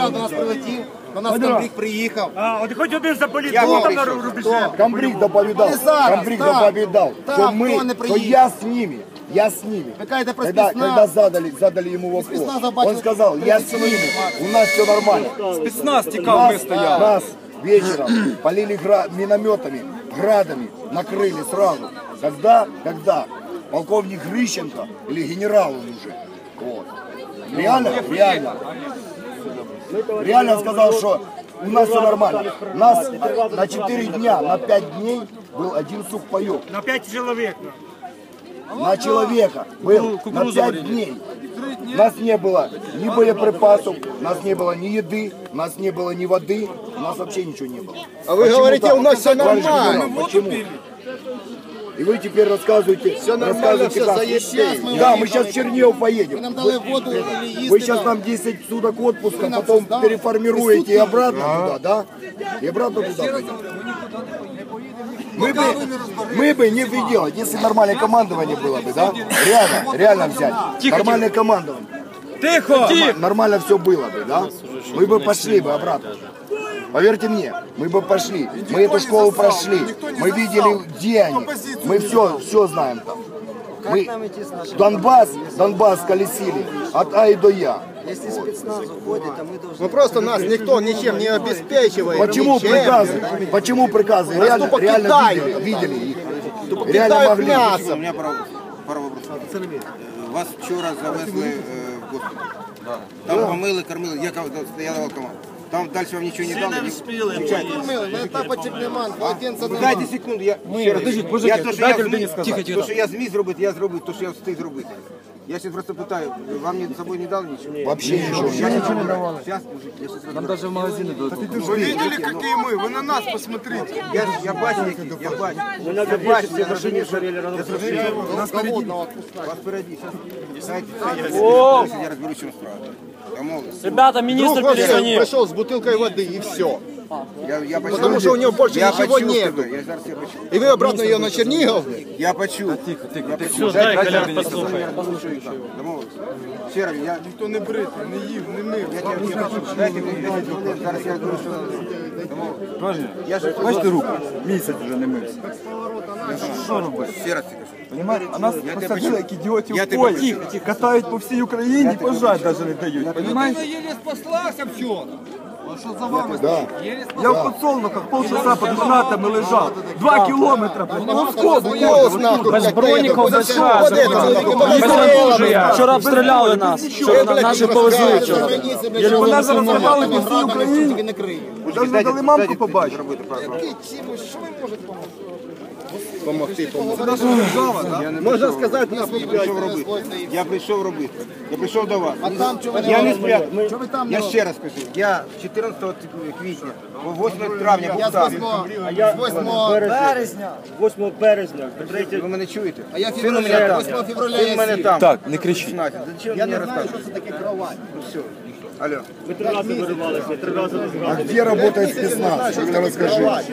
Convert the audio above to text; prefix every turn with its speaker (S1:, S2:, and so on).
S1: спецназ до нас прилетів, до нас комбриг приїхав.
S2: От хоч один заполітував там на рубежі.
S3: Комбриг доповідав, что я с ними. Я с ними. Когда задали ему вопрос, он сказал, я с ними, у нас все нормально.
S4: Спецназ текал, мы стояли.
S3: Нас вечером полили минометами, градами, накрыли сразу. Когда полковник Грищенко, или генерал он уже, вот. Реально сказал, что у нас все нормально. Нас на 4 дня, на 5 дней был один сухпайок.
S2: На 5 человек.
S3: На человека был на 5 дней. У нас не было ни боеприпасов, у нас не было ни еды, у нас не было ни воды, у нас вообще ничего не было.
S1: А вы говорите, у нас все нормально.
S3: Почему? И вы теперь рассказываете,
S1: все нормально, все заебись.
S3: Да, мы сейчас в Чернигов поедем.
S1: Нам дали воду,
S3: Вы сейчас нам 10 суток отпуска, потом переформируете и обратно туда, да? И обратно туда пойдем. Мы бы не делать, если нормальное командование было бы, да? Реально взять. Нормальное командование.
S4: Тихо!
S3: Нормально все было бы, да? Мы бы пошли бы обратно. Поверьте мне, мы бы пошли. Мы эту школу прошли. Мы видели, где они. Мы все знаем там. Мы Донбасс колесили от А и до Я.
S5: Если спецназ уходит, то мы должны...
S1: Ну просто нас никто ничем не обеспечивает.
S3: Почему приказы? Почему приказы? Реально видели их. Реально могли.
S6: У меня пару вопросов. Вас вчора завезли в госпіталь. Там помили, кормили. Я давав команду. Там дальше вам ничего не дали. Дайте секунду, то, що я зміг зробити, я зробив, то, що я встиг зробити. Я сейчас просто пытаю, вам с собой не дал ничего?
S3: Вообще ничего.
S6: Сейчас, мужик,
S4: Нам даже в магазины дают.
S1: Вы видели, какие мы? Вы на нас посмотрите.
S6: Я бачу, я бачу.
S1: Нас впереди.
S6: Вас впереди. Я разберусь, в чем справа.
S4: Ребята, министр перезвонил.
S1: Пришел с бутылкой воды и все.
S6: Потому что у него больше
S1: ничего нету. И вы обратно ее на Чернигов?
S6: Я почув.
S4: Тихо.
S2: Все, дай, Колян, послухай.
S6: Ще раз,
S1: Ніхто не бритий, не їв, не мив.
S6: дайте мені 10 хвилин, зараз я говорю, що
S4: Бачите руку? Місяць вже не мився. Що робити?
S6: ще раз кажу.
S4: Понимаете? А нас посадили, як ідіотів
S6: Я
S4: в
S6: тебе
S4: полі. Катають по всій Україні, пожать навіть не дають. Понимаете?
S1: еле спаслася вчора. А що за вами?
S4: Я в подсолнухах полчаса під гранатами лежав. 2 кілометри.
S1: Без броніків, без
S4: Вчора обстріляли нас. Вчора наші повезли вчора. Мене зараз забрали по всій Україні. Навіть не дали мамку побачити.
S1: Помогти.
S6: Можна сказати, я прийшов робити. Я прийшов до вас. Я не спрятав. Я ще раз кажу. Я 14 квітня, 8 травня був там.
S2: 8 березня.
S6: Ви мене чуєте?
S1: А я
S6: Син у мене там.
S1: 8 февраля
S6: Син у мене там.
S4: Так, не кричіть.
S6: Зачем мені розказувати?
S1: це таке кровать.
S6: Все. Алло.
S2: Ми 3 рази виривалися, 3 рази не
S3: А где работает спецназ? Расскажи.